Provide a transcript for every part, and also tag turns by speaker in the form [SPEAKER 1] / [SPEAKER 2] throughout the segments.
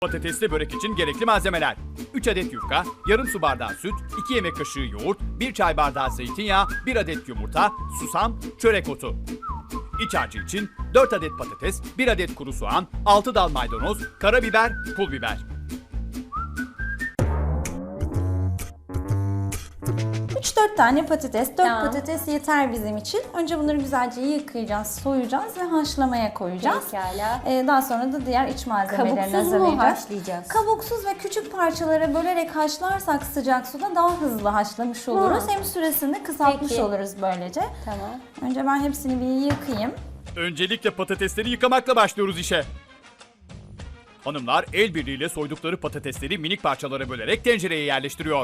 [SPEAKER 1] Patatesli börek için gerekli malzemeler: 3 adet yufka, yarım su bardağı süt, 2 yemek kaşığı yoğurt, 1 çay bardağı zeytinyağı, 1 adet yumurta, susam, çörek otu. İç harcı için 4 adet patates, 1 adet kuru soğan, 6 dal maydanoz, karabiber, pul biber.
[SPEAKER 2] Üç dört tane patates, 4
[SPEAKER 3] Tamam.
[SPEAKER 2] patates yeter bizim için. Önce bunları güzelce yıkayacağız, soyacağız ve haşlamaya koyacağız.
[SPEAKER 3] Pekala.
[SPEAKER 2] Daha sonra da diğer iç malzemelerini
[SPEAKER 3] Kabuksuz mu
[SPEAKER 2] hazırlayacağız.
[SPEAKER 3] haşlayacağız?
[SPEAKER 2] Kabuksuz ve küçük parçalara bölerek haşlarsak sıcak suda daha hızlı haşlamış oluruz. Hem süresini de kısaltmış
[SPEAKER 3] Peki.
[SPEAKER 2] oluruz böylece.
[SPEAKER 3] Tamam.
[SPEAKER 2] Önce ben hepsini bir yıkayayım.
[SPEAKER 1] Öncelikle patatesleri yıkamakla başlıyoruz işe. Hanımlar el birliğiyle soydukları patatesleri minik parçalara bölerek tencereye yerleştiriyor.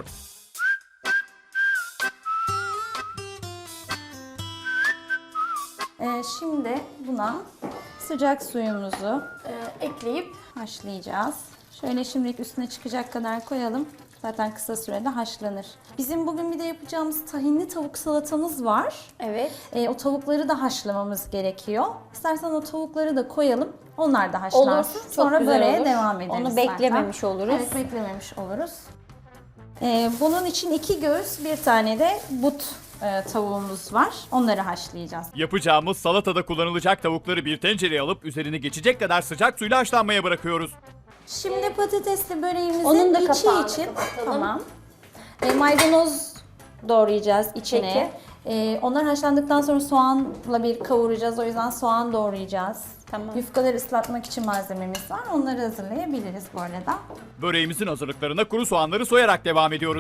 [SPEAKER 2] Şimdi buna sıcak suyumuzu ekleyip haşlayacağız. Şöyle şimdilik üstüne çıkacak kadar koyalım. Zaten kısa sürede haşlanır. Bizim bugün bir de yapacağımız tahinli tavuk salatamız var.
[SPEAKER 3] Evet.
[SPEAKER 2] O tavukları da haşlamamız gerekiyor. İstersen o tavukları da koyalım. Onlar da haşlansın.
[SPEAKER 3] Olur. Çok
[SPEAKER 2] Sonra
[SPEAKER 3] güzel
[SPEAKER 2] böreğe
[SPEAKER 3] olur.
[SPEAKER 2] devam ederiz.
[SPEAKER 3] Onu
[SPEAKER 2] zaten.
[SPEAKER 3] beklememiş oluruz.
[SPEAKER 2] Evet, beklememiş oluruz. Bunun için 2 göğüs, bir tane de but tavuğumuz var. Onları haşlayacağız.
[SPEAKER 1] Yapacağımız salatada kullanılacak tavukları bir tencereye alıp üzerine geçecek kadar sıcak suyla haşlanmaya bırakıyoruz.
[SPEAKER 2] Şimdi patatesli böreğimizin
[SPEAKER 3] Onun da
[SPEAKER 2] içi
[SPEAKER 3] kapağını
[SPEAKER 2] için
[SPEAKER 3] kapatalım.
[SPEAKER 2] tamam. Maydanoz doğrayacağız içine. Onlar haşlandıktan sonra soğanla bir kavuracağız. O yüzden soğan doğrayacağız.
[SPEAKER 3] Tamam.
[SPEAKER 2] Yufkaları ıslatmak için malzememiz var. Onları hazırlayabiliriz bu arada.
[SPEAKER 1] Böreğimizin hazırlıklarına kuru soğanları soyarak devam ediyoruz.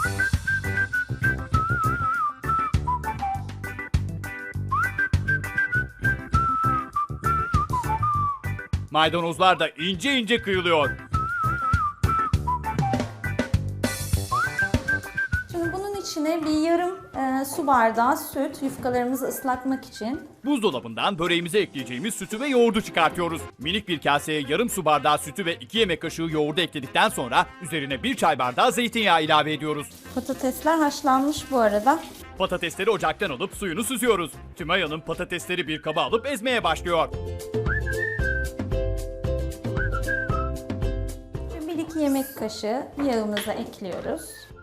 [SPEAKER 1] Maydanozlar da ince ince kıyılıyor.
[SPEAKER 2] Şimdi bunun içine bir yarım su bardağı süt, yufkalarımızı ıslatmak için.
[SPEAKER 1] Buzdolabından böreğimize ekleyeceğimiz sütü ve yoğurdu çıkartıyoruz. Minik bir kaseye yarım su bardağı sütü ve 2 yemek kaşığı yoğurdu ekledikten sonra üzerine 1 çay bardağı zeytinyağı ilave ediyoruz.
[SPEAKER 2] Patatesler haşlanmış bu arada.
[SPEAKER 1] Patatesleri ocaktan alıp suyunu süzüyoruz. Tümay Hanım patatesleri bir kaba alıp ezmeye başlıyor.
[SPEAKER 2] 1-2 yemek kaşığı yağımıza ekliyoruz.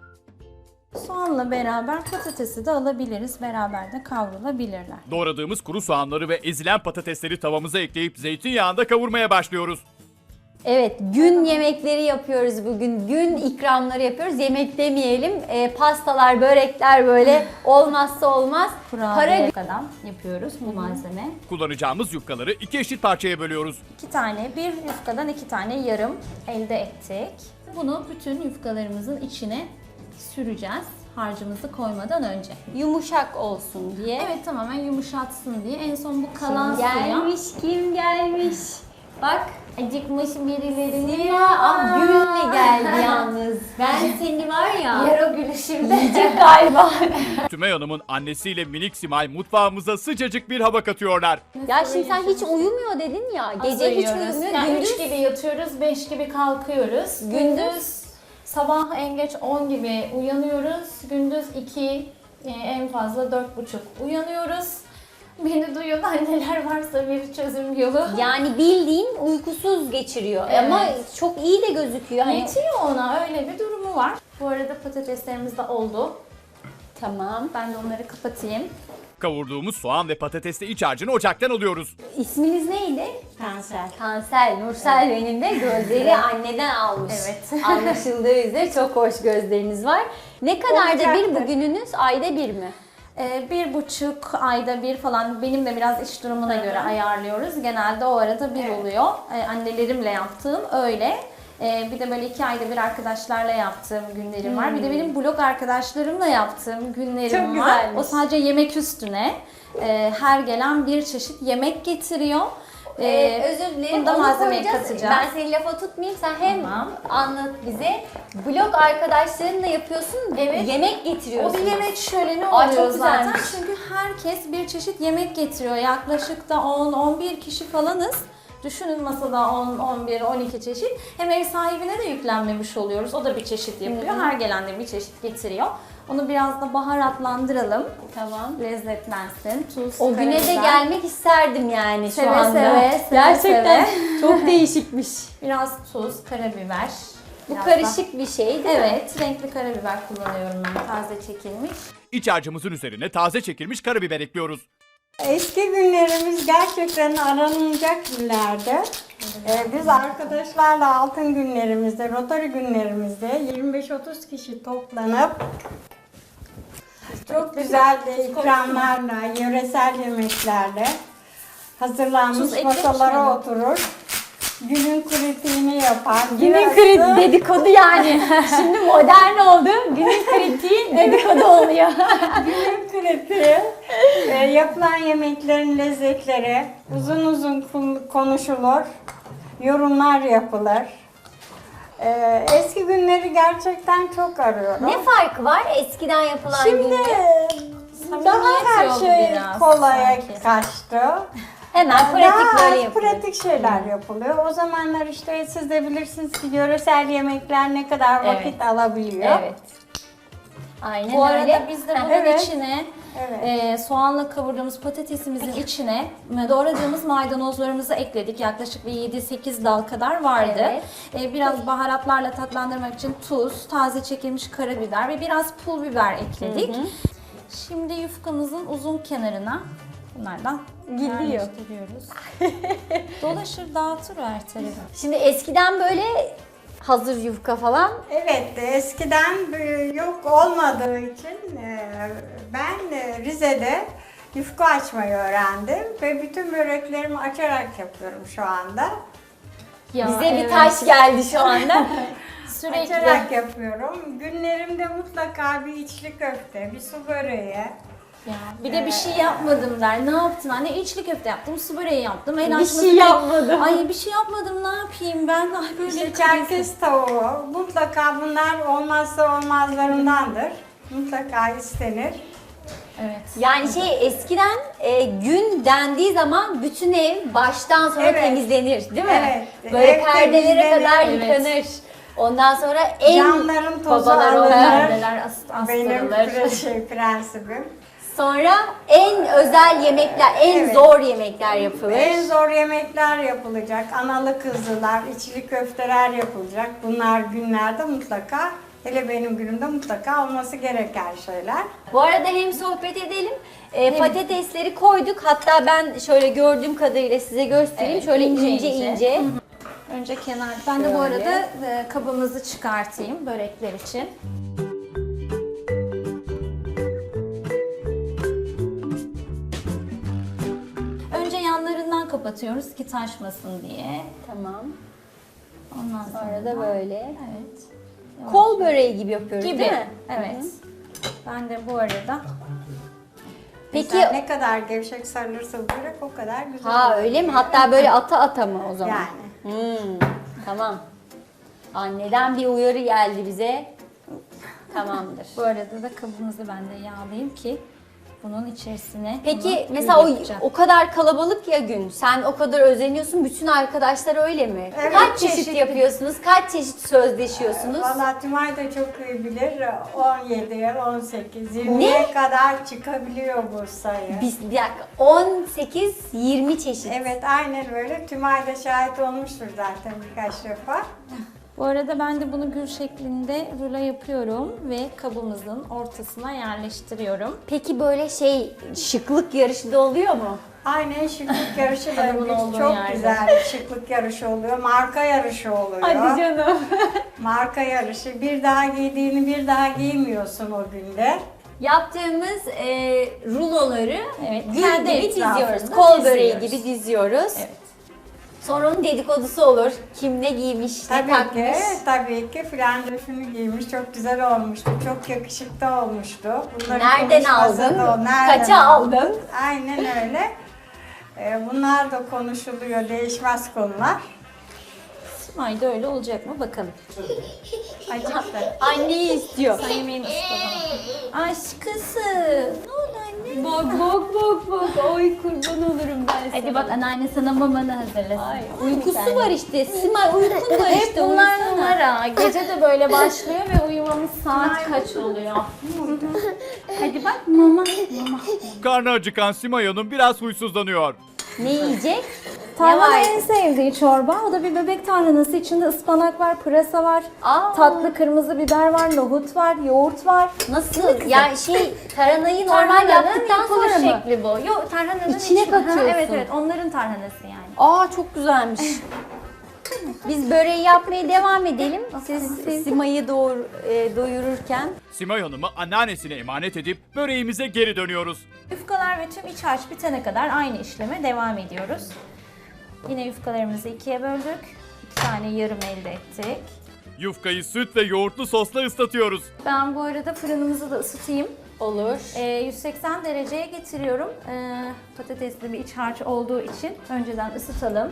[SPEAKER 2] Soğanla beraber patatesi de alabiliriz. Beraber de kavrulabilirler.
[SPEAKER 1] Doğradığımız kuru soğanları ve ezilen patatesleri tavamıza ekleyip zeytinyağında kavurmaya başlıyoruz.
[SPEAKER 3] Evet, gün yemekleri yapıyoruz bugün. Gün ikramları yapıyoruz. Yemek demeyelim. Pastalar, börekler böyle olmazsa olmaz.
[SPEAKER 2] Kurabiye kadar yapıyoruz bu malzeme.
[SPEAKER 1] Kullanacağımız yufkaları 2 eşit parçaya bölüyoruz.
[SPEAKER 2] 2 tane, bir yufkadan 2 tane yarım elde ettik. Bunu bütün yufkalarımızın içine süreceğiz harcımızı koymadan önce.
[SPEAKER 3] Yumuşak olsun diye.
[SPEAKER 2] Evet, tamamen yumuşatsın diye. En son bu kalan
[SPEAKER 3] Kim
[SPEAKER 2] suya...
[SPEAKER 3] gelmiş, kim gelmiş? Bak, acıkmış birilerini.
[SPEAKER 2] Aa!
[SPEAKER 3] Gül'le geldi yalnız. Ben seni var ya,
[SPEAKER 2] Yer o gülüşümde.
[SPEAKER 3] yiyecek galiba.
[SPEAKER 1] Tümay Hanım'ın annesiyle minik Simay mutfağımıza sıcacık bir hava katıyorlar.
[SPEAKER 3] Ya şimdi sen hiç uyumuyor dedin ya. Gece hiç uyumuyor.
[SPEAKER 2] Yani
[SPEAKER 3] Gündüz
[SPEAKER 2] 3 gibi yatıyoruz, 5 gibi kalkıyoruz. Gündüz sabah en geç 10 gibi uyanıyoruz. Gündüz 2, en fazla 4.30 uyanıyoruz. Beni duyan anneler varsa bir çözüm yolu.
[SPEAKER 3] yani bildiğin uykusuz geçiriyor.
[SPEAKER 2] Evet.
[SPEAKER 3] Ama çok iyi de gözüküyor. Hani...
[SPEAKER 2] Yetiyor ona, öyle bir durumu var. Bu arada patateslerimiz de oldu.
[SPEAKER 3] Tamam.
[SPEAKER 2] Ben de onları kapatayım.
[SPEAKER 1] Kavurduğumuz soğan ve patatesli iç harcını ocaktan alıyoruz.
[SPEAKER 3] İsminiz neydi?
[SPEAKER 2] Kanser.
[SPEAKER 3] Tansel. Nursel benim de gözleri anneden almış.
[SPEAKER 2] Evet.
[SPEAKER 3] Anlaşıldığı üzere çok hoş gözleriniz var. Ne kadar da bir
[SPEAKER 2] Olacaktır.
[SPEAKER 3] bugününüz? Ayda bir mi?
[SPEAKER 2] 1,5 ayda bir falan, benim de biraz iş durumuna göre ayarlıyoruz. Genelde o arada bir oluyor. Annelerimle yaptığım öyle. Bir de böyle 2 ayda bir arkadaşlarla yaptığım günlerim var. Bir de benim blog arkadaşlarımla yaptığım günlerim
[SPEAKER 3] Çok
[SPEAKER 2] var.
[SPEAKER 3] güzelmiş.
[SPEAKER 2] O sadece yemek üstüne. Her gelen bir çeşit yemek getiriyor.
[SPEAKER 3] Özür dilerim.
[SPEAKER 2] Bunda
[SPEAKER 3] onu
[SPEAKER 2] malzemeyi
[SPEAKER 3] koyacağız.
[SPEAKER 2] katacağız.
[SPEAKER 3] Ben seni lafa tutmayayım. Sen hem
[SPEAKER 2] Tamam.
[SPEAKER 3] anlat bize. Blog arkadaşlarınla yapıyorsun.
[SPEAKER 2] Evet.
[SPEAKER 3] Yemek
[SPEAKER 2] O
[SPEAKER 3] getiriyorsun.
[SPEAKER 2] bir yemek şöleni
[SPEAKER 3] Ay,
[SPEAKER 2] oluyor
[SPEAKER 3] çok
[SPEAKER 2] zaten.
[SPEAKER 3] güzelmiş.
[SPEAKER 2] Çünkü herkes bir çeşit yemek getiriyor. Yaklaşık da 10-11 kişi falanız. Düşünün masada 10, 11, 12 çeşit. Hem ev sahibine de yüklenmemiş oluyoruz. O da bir çeşit yapıyor. Her gelen de bir çeşit getiriyor. Onu biraz da baharatlandıralım.
[SPEAKER 3] Tamam.
[SPEAKER 2] Lezzetlensin. Tuz,
[SPEAKER 3] O güne de
[SPEAKER 2] karabiber.
[SPEAKER 3] gelmek isterdim yani şu
[SPEAKER 2] Seve
[SPEAKER 3] anda.
[SPEAKER 2] seve,
[SPEAKER 3] Gerçekten
[SPEAKER 2] seve.
[SPEAKER 3] çok değişikmiş.
[SPEAKER 2] Biraz tuz, karabiber.
[SPEAKER 3] Bu
[SPEAKER 2] Biraz
[SPEAKER 3] karışık bir şey değil mi?
[SPEAKER 2] Evet, renkli karabiber kullanıyorum ben, taze çekilmiş.
[SPEAKER 1] İç harcımızın üzerine taze çekilmiş karabiber ekliyoruz.
[SPEAKER 4] Eski günlerimiz gerçekten aranılacak günlerdi. Biz arkadaşlarla altın günlerimizde, Rotary günlerimizde 25-30 kişi toplanıp çok güzel de ikramlarla, yöresel yemeklerle hazırlanmış
[SPEAKER 2] Tuz eklemiş
[SPEAKER 4] masalara
[SPEAKER 2] miydin?
[SPEAKER 4] oturur. Günün kritiğini yapar.
[SPEAKER 3] Günün
[SPEAKER 4] Birası-
[SPEAKER 3] kritiği dedikodu yani. Şimdi modern oldu. Günün kritiği dedikodu oluyor.
[SPEAKER 4] Günün kritiği, yapılan yemeklerin lezzetleri uzun uzun konuşulur, yorumlar yapılır. Eski günleri gerçekten çok arıyorum.
[SPEAKER 3] Ne farkı var eskiden yapılan
[SPEAKER 4] Şimdi
[SPEAKER 3] günle?
[SPEAKER 4] daha her
[SPEAKER 2] yok
[SPEAKER 4] şey
[SPEAKER 2] biraz
[SPEAKER 4] kolaya
[SPEAKER 2] sanki.
[SPEAKER 4] kaçtı.
[SPEAKER 3] Hemen pratik
[SPEAKER 4] Daha
[SPEAKER 3] böyle
[SPEAKER 4] az
[SPEAKER 3] yapılıyor.
[SPEAKER 4] pratik şeyler yapılıyor. O zamanlar işte siz de bilirsiniz ki yöresel yemekler ne kadar vakit
[SPEAKER 3] Evet.
[SPEAKER 4] alabiliyor.
[SPEAKER 3] Evet. Aynen
[SPEAKER 2] Bu arada
[SPEAKER 3] öyle.
[SPEAKER 2] biz de bunun
[SPEAKER 4] Evet.
[SPEAKER 2] içine
[SPEAKER 4] Evet.
[SPEAKER 2] soğanla kavurduğumuz patatesimizin içine doğradığımız maydanozlarımızı ekledik. Yaklaşık bir 7-8 dal kadar vardı. Biraz baharatlarla tatlandırmak için tuz, taze çekilmiş karabiber ve biraz pul biber ekledik. Şimdi yufkamızın uzun kenarına bunlardan
[SPEAKER 3] Gidiyor.
[SPEAKER 2] yerleştiriyoruz. Dolaşır dağıtır her tarafı.
[SPEAKER 3] Şimdi eskiden böyle hazır yufka falan
[SPEAKER 4] Evet, eskiden yok olmadığı için ben Rize'de yufka açmayı öğrendim ve bütün böreklerimi açarak yapıyorum şu anda.
[SPEAKER 2] Ya,
[SPEAKER 3] bize bir
[SPEAKER 2] evet.
[SPEAKER 3] taş geldi şu anda.
[SPEAKER 2] Sürekli.
[SPEAKER 4] Açarak yapıyorum. Günlerimde mutlaka bir içli köfte, bir su böreği.
[SPEAKER 2] Ya, bir de bir şey yapmadım der. Ne yaptın anne? İçli köfte yaptım, su böreği yaptım. El
[SPEAKER 3] Bir
[SPEAKER 2] açması
[SPEAKER 3] şey
[SPEAKER 2] değil.
[SPEAKER 3] yapmadım.
[SPEAKER 2] Ay bir şey yapmadım, ne yapayım ben? Ay böyle
[SPEAKER 4] İşte
[SPEAKER 2] kriz.
[SPEAKER 4] Çerkez tavuğu. Mutlaka bunlar olmazsa olmazlarındandır. Mutlaka istenir.
[SPEAKER 2] Evet.
[SPEAKER 3] Yani eskiden gün dendiği zaman bütün ev baştan sona
[SPEAKER 4] Evet.
[SPEAKER 3] temizlenir değil mi?
[SPEAKER 4] Evet.
[SPEAKER 3] Böyle
[SPEAKER 4] Ev
[SPEAKER 3] perdelere
[SPEAKER 4] temizlenir,
[SPEAKER 3] kadar
[SPEAKER 2] evet.
[SPEAKER 3] yıkanır. Ondan sonra en
[SPEAKER 4] Camların tozu
[SPEAKER 3] babalar
[SPEAKER 4] alınır.
[SPEAKER 2] Perdeler
[SPEAKER 4] Benim
[SPEAKER 2] astırılır.
[SPEAKER 4] prensibim.
[SPEAKER 3] sonra en özel yemekler, en
[SPEAKER 4] Evet.
[SPEAKER 3] zor yemekler yapılır.
[SPEAKER 4] En zor yemekler yapılacak. Analı kızlılar, içli köfteler yapılacak. Bunlar günlerde mutlaka, hele benim günümde mutlaka olması gereken şeyler.
[SPEAKER 3] Bu arada hem sohbet edelim. Patatesleri koyduk. Hatta ben şöyle gördüğüm kadarıyla size göstereyim.
[SPEAKER 2] Evet,
[SPEAKER 3] şöyle
[SPEAKER 2] ince
[SPEAKER 3] ince
[SPEAKER 2] ince.
[SPEAKER 3] ince.
[SPEAKER 2] Önce kenar. Ben de bu
[SPEAKER 3] Şöyle.
[SPEAKER 2] arada kabımızı çıkartayım börekler için. Önce yanlarından kapatıyoruz ki taşmasın diye.
[SPEAKER 3] Tamam.
[SPEAKER 2] Ondan
[SPEAKER 3] Sonra da böyle.
[SPEAKER 2] Evet.
[SPEAKER 3] Kol böreği gibi yapıyoruz
[SPEAKER 2] Gibi.
[SPEAKER 3] değil mi?
[SPEAKER 2] Evet. Ben de bu arada
[SPEAKER 3] Peki
[SPEAKER 4] Güzel, ne kadar gevşek sarılırsa bu börek o kadar güzel
[SPEAKER 3] ha
[SPEAKER 4] olur.
[SPEAKER 3] öyle mi? Hatta böyle ata mı o zaman?
[SPEAKER 4] Yani.
[SPEAKER 3] Tamam. Anneden bir uyarı geldi bize. Tamamdır.
[SPEAKER 2] bu arada da kabımızı ben de yağlayayım ki bunun içerisine
[SPEAKER 3] Peki
[SPEAKER 2] bunu
[SPEAKER 3] mesela
[SPEAKER 2] yapacağım.
[SPEAKER 3] o kadar kalabalık ya gün. Sen o kadar özeniyorsun. Bütün arkadaşlar öyle mi?
[SPEAKER 4] Evet,
[SPEAKER 3] Kaç çeşit
[SPEAKER 4] çeşitli.
[SPEAKER 3] yapıyorsunuz? Kaç çeşit sözleşiyorsunuz?
[SPEAKER 4] Valla Tümay da çok iyi bilir. 17, 18, 20'ye kadar çıkabiliyor bu sayı.
[SPEAKER 3] Bir dakika. 18-20 çeşit.
[SPEAKER 4] Evet, aynen öyle. Tümay da şahit olmuştur zaten birkaç defa.
[SPEAKER 2] Bu arada ben de bunu gül şeklinde rulo yapıyorum ve kabımızın ortasına yerleştiriyorum.
[SPEAKER 3] Peki böyle şıklık yarışı da oluyor mu?
[SPEAKER 4] Aynen şıklık yarışı da
[SPEAKER 2] Adamın olduğu
[SPEAKER 4] çok
[SPEAKER 2] yerde.
[SPEAKER 4] güzel bir şıklık yarışı oluyor. Marka yarışı oluyor.
[SPEAKER 3] canım.
[SPEAKER 4] Marka yarışı. Bir daha giydiğini bir daha giymiyorsun o günde.
[SPEAKER 3] Yaptığımız ruloları gül
[SPEAKER 2] kendi
[SPEAKER 3] gibi diziyoruz.
[SPEAKER 2] etrafında
[SPEAKER 3] Kol böreği
[SPEAKER 2] diziyoruz.
[SPEAKER 3] gibi diziyoruz.
[SPEAKER 2] Evet.
[SPEAKER 3] Sonra onun dedikodusu olur. Kim ne giymiş, ne takmış.
[SPEAKER 4] Tabii ki filan da şunu giymiş. Çok güzel olmuştu. Çok yakışıklı olmuştu. Bunların
[SPEAKER 3] Nereden
[SPEAKER 4] konuşması
[SPEAKER 3] aldın?
[SPEAKER 4] da o, nereden
[SPEAKER 3] Kaça aldın?
[SPEAKER 4] Aynen öyle. Bunlar da konuşuluyor. Değişmez konular.
[SPEAKER 2] Ayda öyle olacak mı bakalım.
[SPEAKER 4] Acıktı.
[SPEAKER 3] Anneyi istiyor.
[SPEAKER 2] Sen yemeğini ısıtalım. Aşkısı. Ne oldu anne?
[SPEAKER 3] Bak bak bak bak. Oy kurban olurum ben sana.
[SPEAKER 2] Hadi bak anneanne sana mamanı hazırlasın.
[SPEAKER 3] Ay, uykusu var işte. Simay uykun var
[SPEAKER 2] Hep
[SPEAKER 3] işte.
[SPEAKER 2] bunlar
[SPEAKER 3] uyusana.
[SPEAKER 2] numara. Gece de böyle başlıyor ve uyumamız saat kaç oluyor? Hadi bak mama.
[SPEAKER 1] Karnı acıkan Simay Hanım biraz huysuzlanıyor.
[SPEAKER 3] Ne yiyecek?
[SPEAKER 2] Tarhana
[SPEAKER 3] var?
[SPEAKER 2] en sevdiği çorba. O da bir bebek tarhanası. İçinde ıspanak var, pırasa var.
[SPEAKER 3] Aa.
[SPEAKER 2] Tatlı kırmızı biber var, nohut var, yoğurt var.
[SPEAKER 3] Nasıl? Ya tarhanayı normal
[SPEAKER 2] Tarhananın
[SPEAKER 3] yaptıktan sonra
[SPEAKER 2] yapılış
[SPEAKER 3] mı?
[SPEAKER 2] şekli bu. Yok tarhananın
[SPEAKER 3] İçine
[SPEAKER 2] içi-
[SPEAKER 3] katıyorsun.
[SPEAKER 2] Ha, evet evet onların tarhanası yani.
[SPEAKER 3] Aa çok güzelmiş. Biz böreği yapmaya devam edelim. Siz Simay'ı doyururken.
[SPEAKER 1] Simay Hanım'ı anneannesine emanet edip böreğimize geri dönüyoruz.
[SPEAKER 2] Yufkalar ve tüm iç harç bitene kadar aynı işleme devam ediyoruz. Yine yufkalarımızı ikiye böldük. 2 tane yarım elde ettik.
[SPEAKER 1] Yufkayı süt ve yoğurtlu sosla ıslatıyoruz.
[SPEAKER 2] Ben bu arada fırınımızı da ısıtayım.
[SPEAKER 3] Olur.
[SPEAKER 2] 180 dereceye getiriyorum. Patatesli bir iç harç olduğu için önceden ısıtalım.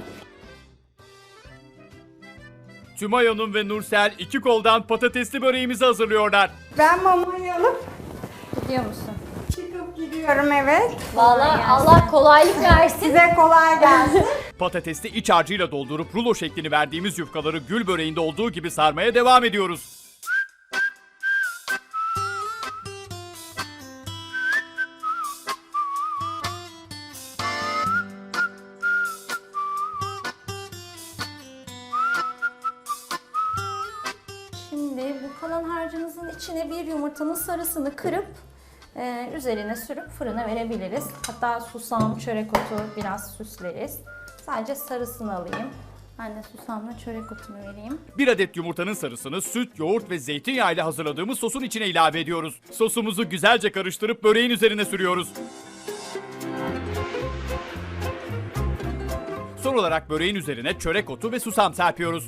[SPEAKER 1] Tümay Hanım ve Nursel iki koldan patatesli böreğimizi hazırlıyorlar.
[SPEAKER 4] Ben mamayı alıp
[SPEAKER 2] Gidiyor musun?
[SPEAKER 4] çıkıp gidiyorum, evet.
[SPEAKER 3] Vallahi
[SPEAKER 2] gelsin.
[SPEAKER 3] Allah kolaylık versin.
[SPEAKER 4] Size kolay gelsin.
[SPEAKER 1] Patatesli iç harcıyla doldurup rulo şeklini verdiğimiz yufkaları gül böreğinde olduğu gibi sarmaya devam ediyoruz.
[SPEAKER 2] Şimdi bu kalan harcımızın içine bir yumurtanın sarısını kırıp üzerine sürüp fırına verebiliriz. Hatta susam, çörek otu biraz süsleriz. Sadece sarısını alayım. Ben de susamla çörek otunu vereyim.
[SPEAKER 1] Bir adet yumurtanın sarısını süt, yoğurt ve zeytinyağı ile hazırladığımız sosun içine ilave ediyoruz. Sosumuzu güzelce karıştırıp böreğin üzerine sürüyoruz. Son olarak böreğin üzerine çörek otu ve susam serpiyoruz.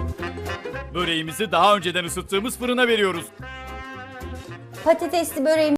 [SPEAKER 1] Böreğimizi daha önceden ısıttığımız fırına veriyoruz.
[SPEAKER 3] Patatesli böreğim